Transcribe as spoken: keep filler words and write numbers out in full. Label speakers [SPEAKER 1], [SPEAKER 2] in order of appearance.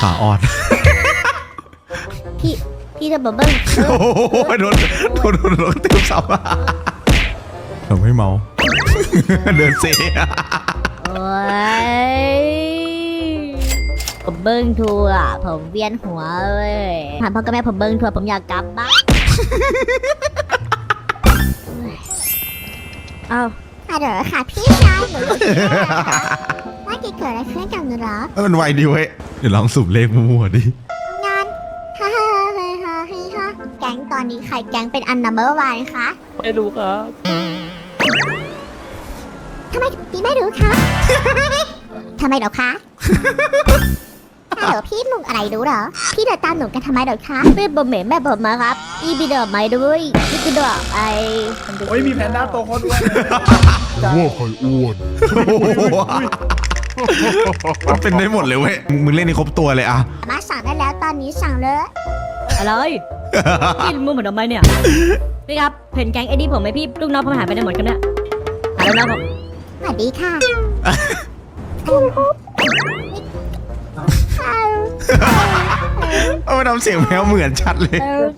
[SPEAKER 1] ขาอ่อน
[SPEAKER 2] พี่พี่จะบอกเบิ้ง
[SPEAKER 1] โอ้โหโดนโดนโดนโดนเต็มซับเราไม่เมา เดินเซ
[SPEAKER 2] โอ้ยผมเบิ้งทัวร์ผมเวียนหัวเลยถามพ่อกับแม่ผมเบิ้งทัวร์ผมอยากกลับบ้านเอาฮัลโหลค่ะพี่ชายหนูว่าจะเกิดอะไรขึ้นกับหนูหรอ
[SPEAKER 1] มันไวดีเว้ยเดี๋ยวลองสูบเลขมั่วๆดิ
[SPEAKER 2] งานฮ่าฮ่าฮ่าฮ่าฮ่าแก๊งตอนนี้ใครแก๊งเป็นอันนัมเบอร์วันคะ
[SPEAKER 3] ไม่รู้ครับ
[SPEAKER 2] ทำไมพี่ไม่รู้คะ ทำไมเหรอคะฮัลโหลพี่มุงอะไรรู้เหรอ พี่เดินตามหนูกันทำไมเหรอคะพี่บอมเหม็นแม่ผมมาครับอีบีเดินไม่ด้วยพี่กระโดดไอ
[SPEAKER 3] โอ้ยมีแพนด้าโตคนด้วย
[SPEAKER 4] ว่าใครอ้วน
[SPEAKER 1] มันเป็นได้หมดเลยเว้ยมึงมึงเล่นนี่ครบตัวเลยอะ
[SPEAKER 2] มาสั่งได้แล้วตอนนี้สั่งเลย
[SPEAKER 5] อะไรพี่มึงเหมือนทำไมเนี่ย พี่ครับเห็นแก๊งไอ้นี่ผมไหมพี่ลูกน้องผมหายไปไหนหมดกันเนี่ยหายลูกน้องผม
[SPEAKER 2] สวัสดีค่ะ
[SPEAKER 1] เอามาทำเสียงแมวเหมือนชัดเลย